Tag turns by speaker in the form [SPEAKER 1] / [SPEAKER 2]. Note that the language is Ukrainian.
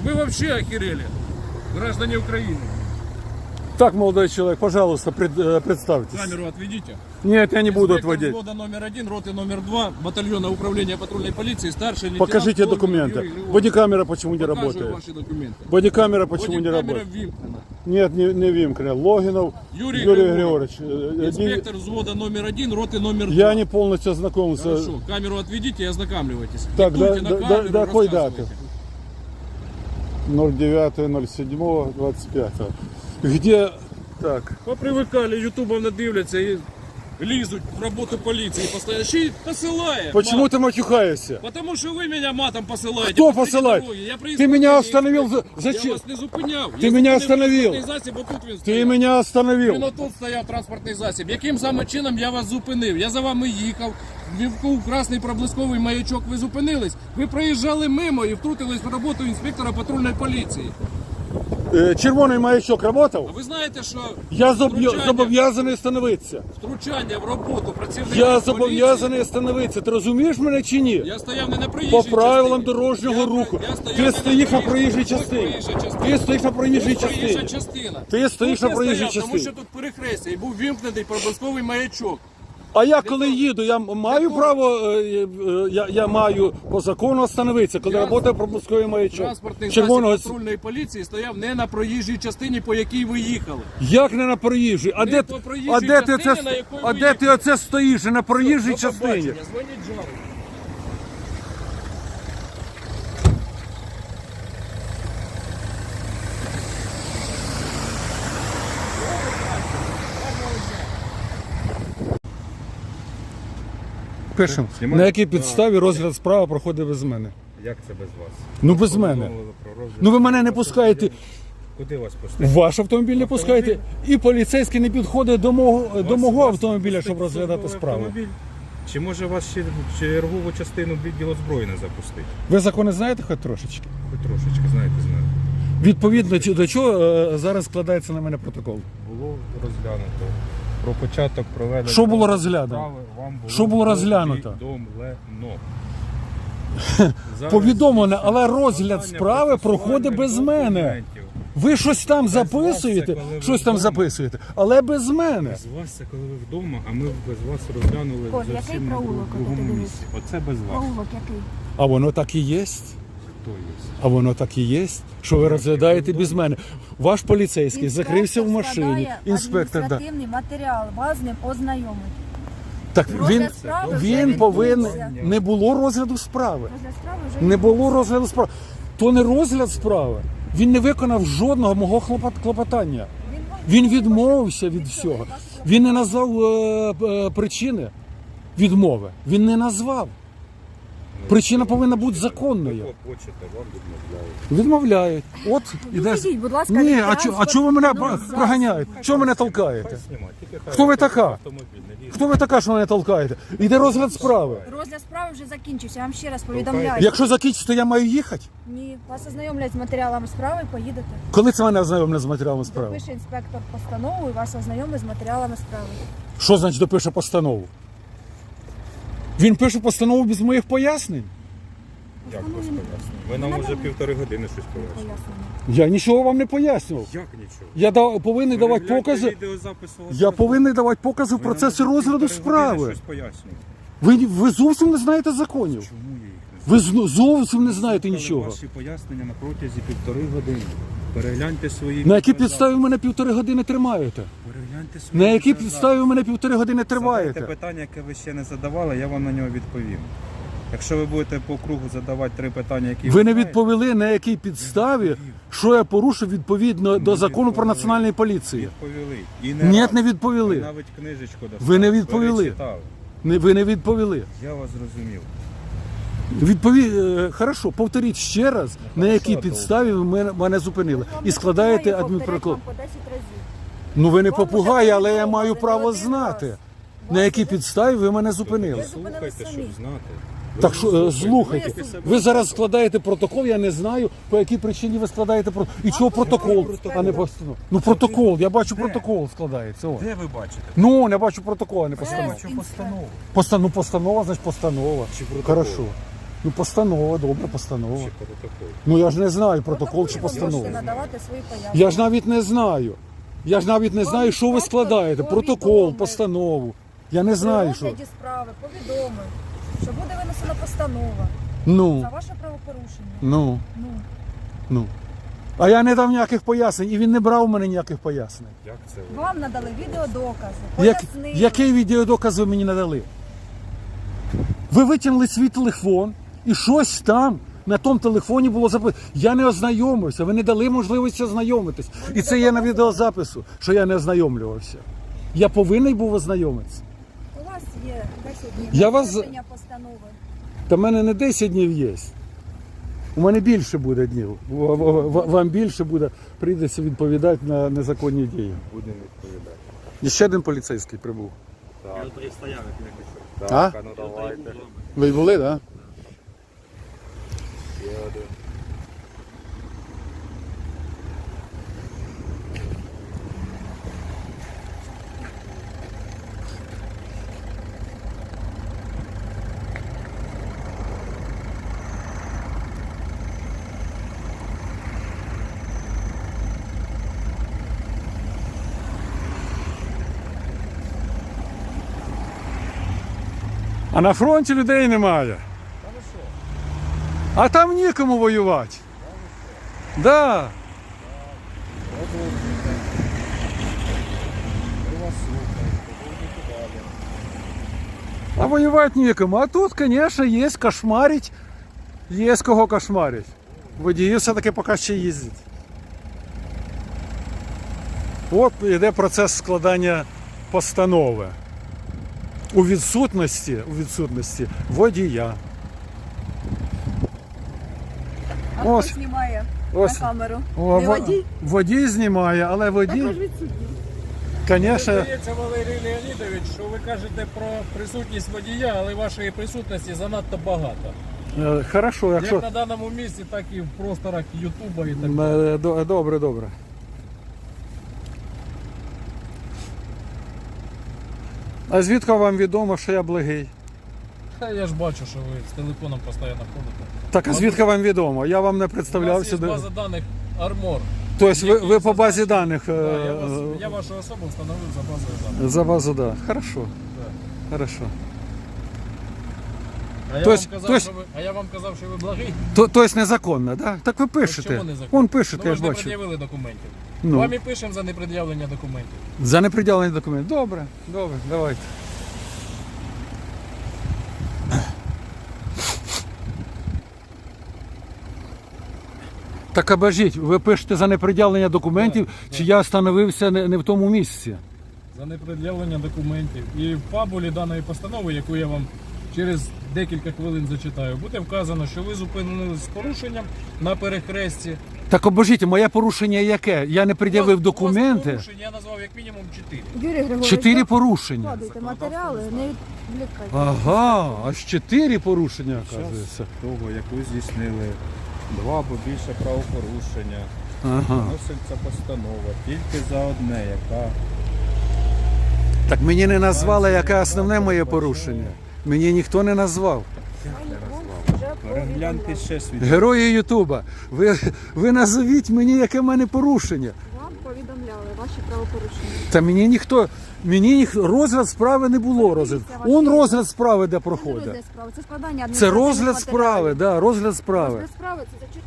[SPEAKER 1] Вы вообще охерели, граждане Украины.
[SPEAKER 2] Так, молодой человек, пожалуйста, представьтесь.
[SPEAKER 1] Камеру отведите.
[SPEAKER 2] Нет, я не буду
[SPEAKER 1] Инспектор
[SPEAKER 2] отводить.
[SPEAKER 1] взвода номер 1, роты номер 2, батальона управления патрульной полиции, старший лейтенант.
[SPEAKER 2] Покажите
[SPEAKER 1] Логинов
[SPEAKER 2] документы.
[SPEAKER 1] Юрий Григорьевич.
[SPEAKER 2] Бодикамера почему не
[SPEAKER 1] Покажу
[SPEAKER 2] работает?
[SPEAKER 1] ваши документы.
[SPEAKER 2] Бодикамера почему не
[SPEAKER 1] Бодикамера
[SPEAKER 2] работает?
[SPEAKER 1] вимкнена.
[SPEAKER 2] Нет, не Вимкина. Логинов
[SPEAKER 1] Юрий
[SPEAKER 2] Григорьевич.
[SPEAKER 1] Инспектор взвода номер 1, роты номер 2.
[SPEAKER 2] Я не полностью ознакомился.
[SPEAKER 1] Хорошо, камеру отведите и ознакомливайтесь.
[SPEAKER 2] Так,
[SPEAKER 1] Диктуйте на камеру,
[SPEAKER 2] до какой даты?
[SPEAKER 1] рассказывайте.
[SPEAKER 2] 09.07.25. Где? Так.
[SPEAKER 1] Попривикали, ютубом надивляться і лізуть в роботу поліції. Постоянно. Ще й посилає.
[SPEAKER 2] Почему
[SPEAKER 1] мат.
[SPEAKER 2] ты матюхаешься?
[SPEAKER 1] Потому що ви мене матом посилаєте.
[SPEAKER 2] Кто
[SPEAKER 1] посреди
[SPEAKER 2] посылает?
[SPEAKER 1] дороги. Я
[SPEAKER 2] Ты
[SPEAKER 1] приїздив
[SPEAKER 2] меня
[SPEAKER 1] на
[SPEAKER 2] остановил.
[SPEAKER 1] інспекцію.
[SPEAKER 2] Зачем?
[SPEAKER 1] Я вас не зупиняв.
[SPEAKER 2] Ти мене остановив.
[SPEAKER 1] Транспортний засіб, отут він
[SPEAKER 2] Ты
[SPEAKER 1] стояв.
[SPEAKER 2] меня
[SPEAKER 1] Він
[SPEAKER 2] остановил.
[SPEAKER 1] отут стояв транспортний засіб. Яким саме чином я вас зупинив? Я за вами їхав. Вівков красний проблисковий маячок. Ви зупинились. Ви проїжджали мимо і втрутились в роботу інспектора патрульної поліції.
[SPEAKER 2] Червоний маячок
[SPEAKER 1] А
[SPEAKER 2] работал?
[SPEAKER 1] ви знаєте, що
[SPEAKER 2] Я
[SPEAKER 1] втручання-
[SPEAKER 2] зобов'язаний остановитися.
[SPEAKER 1] втручання в роботу працівників
[SPEAKER 2] Я
[SPEAKER 1] поліції.
[SPEAKER 2] зобов'язаний остановитися. Ти розумієш мене чи ні?
[SPEAKER 1] Я стояв не на проїжджій
[SPEAKER 2] По
[SPEAKER 1] частині.
[SPEAKER 2] правилам дорожнього руху.
[SPEAKER 1] Я стояв
[SPEAKER 2] Ти
[SPEAKER 1] не
[SPEAKER 2] стоїш на проїжджій
[SPEAKER 1] Ось
[SPEAKER 2] частині.
[SPEAKER 1] проїжджа частина.
[SPEAKER 2] Ти стоїш на проїжджій
[SPEAKER 1] Ось проїжджа
[SPEAKER 2] частині.
[SPEAKER 1] частина.
[SPEAKER 2] Ти стоїш
[SPEAKER 1] Тут
[SPEAKER 2] на
[SPEAKER 1] я
[SPEAKER 2] проїжджій
[SPEAKER 1] стояв, Тому
[SPEAKER 2] частині.
[SPEAKER 1] що тут перехрестя і був вімкнений проблисковий маячок.
[SPEAKER 2] А я коли їду, я маю право, я маю по закону остановитися, коли
[SPEAKER 1] Я-
[SPEAKER 2] працює проблисковий маячок.
[SPEAKER 1] Транспортний
[SPEAKER 2] Червоного.
[SPEAKER 1] засіб патрульної поліції стояв не на проїжджій частині, по якій ви їхали.
[SPEAKER 2] Як не на проїжджій? А
[SPEAKER 1] Не
[SPEAKER 2] де,
[SPEAKER 1] по проїжджій
[SPEAKER 2] а де ти
[SPEAKER 1] частині,
[SPEAKER 2] оце,
[SPEAKER 1] на якої
[SPEAKER 2] а
[SPEAKER 1] ви
[SPEAKER 2] де ти
[SPEAKER 1] їхали.
[SPEAKER 2] оце стоїш? На проїжджій
[SPEAKER 1] До
[SPEAKER 2] частині.
[SPEAKER 1] побачення, дзвоніть жару.
[SPEAKER 2] Пишемо.
[SPEAKER 3] Знімаю.
[SPEAKER 2] На якій підставі розгляд справи проходить без мене?
[SPEAKER 3] Як це без вас?
[SPEAKER 2] Ну без мене.
[SPEAKER 3] Повідомили про розгляд.
[SPEAKER 2] Ну ви мене не пускаєте.
[SPEAKER 3] Куди вас пустити?
[SPEAKER 2] В ваш автомобіль не пускаєте, і поліцейський не підходить до мого автомобіля, щоб розглядати справу.
[SPEAKER 3] Автомобіль? Чи може вас ще чергову частину відділу зброї не запустити?
[SPEAKER 2] Ви закони знаєте хоч трошечки?
[SPEAKER 3] Ви трошечки, знаєте, знаю.
[SPEAKER 2] Відповідно до чого зараз складається на мене протокол?
[SPEAKER 3] Було розглянуто. Про початок проведення.
[SPEAKER 2] Що було розглянуто?
[SPEAKER 3] справи вам
[SPEAKER 2] Що було розглянуто?
[SPEAKER 3] Повідомлено.
[SPEAKER 2] Повідомлено, але розгляд справи проходить без мене. Ви щось там
[SPEAKER 3] вас це,
[SPEAKER 2] записуєте,
[SPEAKER 3] коли ви
[SPEAKER 2] щось там
[SPEAKER 3] вдома.
[SPEAKER 2] записуєте, але без мене.
[SPEAKER 3] З вас це коли ви вдома, а ми без вас розглянули
[SPEAKER 4] Коль, який
[SPEAKER 3] зовсім на
[SPEAKER 4] проулок,
[SPEAKER 3] другому
[SPEAKER 4] от ти
[SPEAKER 3] місці. Оце без вас.
[SPEAKER 4] Проулок який?
[SPEAKER 2] А воно так і є.
[SPEAKER 3] Хто є?
[SPEAKER 2] А воно так і є, що ви розглядаєте без мене. Ваш поліцейський закрився в машині,
[SPEAKER 4] складає
[SPEAKER 2] інспектор. Да.
[SPEAKER 4] адміністративний матеріал, вас з ним ознайомить.
[SPEAKER 2] Так
[SPEAKER 4] Розгляд справи вже
[SPEAKER 2] він повинен.
[SPEAKER 4] відбувся.
[SPEAKER 2] Не було розгляду справи.
[SPEAKER 4] Розгляд справи вже
[SPEAKER 2] Не було розгляду справи. То не розгляд справи. Він не виконав жодного мого клопотання. Він відмовився від всього. Він не назвав причини відмови. Він не назвав. Причина повинна бути законною.
[SPEAKER 3] Хочете, вам відмовляють.
[SPEAKER 2] Відмовляють. От іде.
[SPEAKER 4] Відійдіть, будь ласка,
[SPEAKER 2] Ні,
[SPEAKER 4] від
[SPEAKER 2] а чого ви мене
[SPEAKER 4] транспортного
[SPEAKER 2] проганяєте? Чого мене толкаєте?
[SPEAKER 3] Знімай, тільки хай
[SPEAKER 2] Хто ви така?
[SPEAKER 3] автомобіль не лізе.
[SPEAKER 2] Хто ви така, що мене толкаєте? Іде розгляд справи.
[SPEAKER 4] Розгляд справи вже закінчився, я вам ще раз повідомляю.
[SPEAKER 2] Якщо закінчиться, то я маю їхати.
[SPEAKER 4] Ні, вас ознайомлять з матеріалами справи і поїдете.
[SPEAKER 2] Коли це мене ознайомлять з матеріалами справи?
[SPEAKER 4] Допише інспектор постанову і вас ознайомить з матеріалами справи.
[SPEAKER 2] Що значить допише постанову? Він пише постанову без моїх пояснень.
[SPEAKER 3] Як вас пояснює? Ви нам уже 1,5 години щось пояснюєте.
[SPEAKER 4] Пояснення.
[SPEAKER 2] Я нічого вам не пояснював.
[SPEAKER 3] Як нічого?
[SPEAKER 2] Я повинен давати
[SPEAKER 3] Перегляньте
[SPEAKER 2] покази.
[SPEAKER 3] відеозапис свого
[SPEAKER 2] Я
[SPEAKER 3] телефону.
[SPEAKER 2] повинен давати покази в
[SPEAKER 3] Ви
[SPEAKER 2] процесі
[SPEAKER 3] нам вже
[SPEAKER 2] розгляду
[SPEAKER 3] 1,5 години
[SPEAKER 2] справи.
[SPEAKER 3] щось пояснюєте.
[SPEAKER 2] Ви зовсім не знаєте законів.
[SPEAKER 3] Чому я їх не
[SPEAKER 2] Ви зовсім не знаєте
[SPEAKER 3] Слухали
[SPEAKER 2] нічого.
[SPEAKER 3] Ваші пояснення на протязі 1,5 години. Перегляньте свої
[SPEAKER 2] На якій
[SPEAKER 3] відеозаписи.
[SPEAKER 2] підставі ви мене 1,5 години тримаєте?
[SPEAKER 3] Перегляньте свої
[SPEAKER 2] На якій
[SPEAKER 3] відеозаписи.
[SPEAKER 2] підставі ви мене 1,5 години
[SPEAKER 3] Задайте
[SPEAKER 2] тримаєте?
[SPEAKER 3] питання, яке ви ще не задавали, я вам на нього відповім. Якщо ви будете по кругу задавати 3 питання, які
[SPEAKER 2] Ви не
[SPEAKER 3] знаєте,
[SPEAKER 2] відповіли, на якій підставі, що я порушив відповідно до закону про
[SPEAKER 3] відповіли.
[SPEAKER 2] національну поліцію.
[SPEAKER 3] відповіли. І
[SPEAKER 2] Ні,
[SPEAKER 3] раз.
[SPEAKER 2] не
[SPEAKER 3] Ви
[SPEAKER 2] відповіли.
[SPEAKER 3] навіть книжечку достали.
[SPEAKER 2] Ви не відповіли.
[SPEAKER 3] Перечитали.
[SPEAKER 2] Ви не відповіли.
[SPEAKER 3] Я вас зрозумів.
[SPEAKER 2] Хорошо, повторіть ще раз, на якій підставі ви мене зупинили. І складаєте адмінпротокол.
[SPEAKER 4] По 10 разів.
[SPEAKER 2] Ну ви не
[SPEAKER 4] Вам
[SPEAKER 2] попугай,
[SPEAKER 4] уже
[SPEAKER 2] але я
[SPEAKER 4] повідомили
[SPEAKER 2] маю
[SPEAKER 4] не
[SPEAKER 2] право
[SPEAKER 4] один
[SPEAKER 2] знати.
[SPEAKER 4] раз.
[SPEAKER 2] На якій підставі ви мене зупинили.
[SPEAKER 4] зупинились
[SPEAKER 3] Слухайте,
[SPEAKER 4] самі.
[SPEAKER 3] щоб знати. Ви
[SPEAKER 2] Так що
[SPEAKER 3] слухайте.
[SPEAKER 2] слухайте, ви зараз складаєте протокол, я не знаю, по якій причині ви складаєте протокол. І чого протокол, а не постанова? Ну протокол, я бачу протокол складається. О.
[SPEAKER 3] Де ви бачите?
[SPEAKER 2] Ну, я бачу протокол, а не постанова.
[SPEAKER 3] Бачу постанову.
[SPEAKER 2] Постанова, значить постанова.
[SPEAKER 3] Чи протокол?
[SPEAKER 2] Хорошо. Ну, постанова, добре, постанова.
[SPEAKER 3] Чи протокол?
[SPEAKER 2] Ну я ж не знаю, протокол чи
[SPEAKER 4] Ви можете
[SPEAKER 2] постанова.
[SPEAKER 4] надавати свої пояснення.
[SPEAKER 2] Я ж навіть не знаю. Я ж навіть не знаю, що ви складаєте. Протокол, постанову. Я не знаю,
[SPEAKER 4] При
[SPEAKER 2] що.
[SPEAKER 4] розгляді справи повідомив, що буде винесена постанова
[SPEAKER 2] Ну,
[SPEAKER 4] за ваше правопорушення.
[SPEAKER 2] ну,
[SPEAKER 4] Ну,
[SPEAKER 2] ну. А я не дав ніяких пояснень, і він не брав у мене ніяких пояснень.
[SPEAKER 3] Як це ви?
[SPEAKER 4] вам надали відеодокази,
[SPEAKER 2] Як,
[SPEAKER 4] пояснили.
[SPEAKER 2] який відеодоказ ви мені надали? Ви витягнули свій телефон і щось там на тому телефоні було записано. Я не ознайомився, ви не дали можливості ознайомитись. І це є на відеозапису, що я не ознайомлювався. Я повинен був ознайомитися.
[SPEAKER 4] У вас є 10 днів
[SPEAKER 2] Я
[SPEAKER 4] на
[SPEAKER 2] вас-
[SPEAKER 4] винесення постанови.
[SPEAKER 2] Та в мене не 10 днів є. У мене більше буде днів. Вам більше буде, прийдеться відповідати на незаконні дії.
[SPEAKER 3] Будемо відповідати.
[SPEAKER 2] І ще один поліцейський прибув.
[SPEAKER 3] Так.
[SPEAKER 2] А?
[SPEAKER 3] Так, а ну давайте.
[SPEAKER 2] Ви були, так?
[SPEAKER 3] Ще один.
[SPEAKER 2] А на фронті людей немає. А там нікому воювати. Да. А воювати нікому. А тут, звісно, є кошмарить. Є з кого кошмарить. Водії все-таки поки ще їздять. От йде процес складання постанови. У відсутності водія.
[SPEAKER 4] А
[SPEAKER 2] Ось.
[SPEAKER 4] хто знімає
[SPEAKER 2] Ось.
[SPEAKER 4] на камеру?
[SPEAKER 2] О,
[SPEAKER 4] Не водій?
[SPEAKER 2] водій знімає, але водій, звісно,
[SPEAKER 1] Здається, Валерій Леонідович, що ви кажете про присутність водія, але вашої присутності занадто багато.
[SPEAKER 2] хорошо, якщо...
[SPEAKER 1] Як на даному місці, так і в просторах Ютуба і так далі.
[SPEAKER 2] Добре, добре. А звідки вам відомо, що я благий?
[SPEAKER 1] Та я ж бачу, що ви з телефоном постійно ходите.
[SPEAKER 2] Так, а звідки вам відомо? Я вам не
[SPEAKER 1] У нас
[SPEAKER 2] представлявся.
[SPEAKER 1] є база даних Армор.
[SPEAKER 2] Тобто ви по базі даних...
[SPEAKER 1] Я вашу особу встановив за базою даних.
[SPEAKER 2] За базу, да. Хорошо. Хорошо.
[SPEAKER 1] А я вам казав, що ви благий.
[SPEAKER 2] Тобто незаконно, да? Так ви пишете.
[SPEAKER 1] Чому незаконно?
[SPEAKER 2] Вон пишете,
[SPEAKER 1] Ну,
[SPEAKER 2] я
[SPEAKER 1] ви
[SPEAKER 2] ж
[SPEAKER 1] ж не
[SPEAKER 2] бачу.
[SPEAKER 1] пред'явили документів.
[SPEAKER 2] Ну.
[SPEAKER 1] Вам і пишемо за непред'явлення документів.
[SPEAKER 2] За неприділені документи. Добре, добре, давайте. Так обожіть, ви пишете за неприділення документів, чи я встановився не в тому місці?
[SPEAKER 1] За непред'явлення документів. І в фабулі даної постанови, яку я вам через декілька хвилин зачитаю, буде вказано, що ви зупинились з порушенням на перехресті.
[SPEAKER 2] Так обожіть, моє порушення яке? Я не пред'явив
[SPEAKER 1] У вас
[SPEAKER 2] документи.
[SPEAKER 1] порушень я назвав як мінімум 4.
[SPEAKER 4] Юрій Григорович,
[SPEAKER 2] 4
[SPEAKER 4] ви
[SPEAKER 2] порушення.
[SPEAKER 4] вкладуйте матеріали, не відвлікайте.
[SPEAKER 2] Ага, аж 4 порушення, оказується.
[SPEAKER 3] Того, яку здійснили 2 або більше правопорушення,
[SPEAKER 2] Ага.
[SPEAKER 3] вноситься постанова тільки за одне, яка
[SPEAKER 2] Так мені не назвали, яке основне моє порушення. Мені ніхто не назвав.
[SPEAKER 4] Вже
[SPEAKER 3] перегляньте
[SPEAKER 4] повідомляли.
[SPEAKER 3] ще свій.
[SPEAKER 2] Герої Ютуба, ви назовіть мені, яке в мене порушення.
[SPEAKER 4] Вам повідомляли ваші правопорушення.
[SPEAKER 2] Та мені розгляд справи не було. Розгляд. Он розгляд справи, де
[SPEAKER 4] Це не
[SPEAKER 2] проходить.
[SPEAKER 4] розгляд справи, це складання
[SPEAKER 2] Це
[SPEAKER 4] адміністративних
[SPEAKER 2] розгляд справи,
[SPEAKER 4] матеріалів.
[SPEAKER 2] да, розгляд справи.
[SPEAKER 4] Розгляд справи це зачитування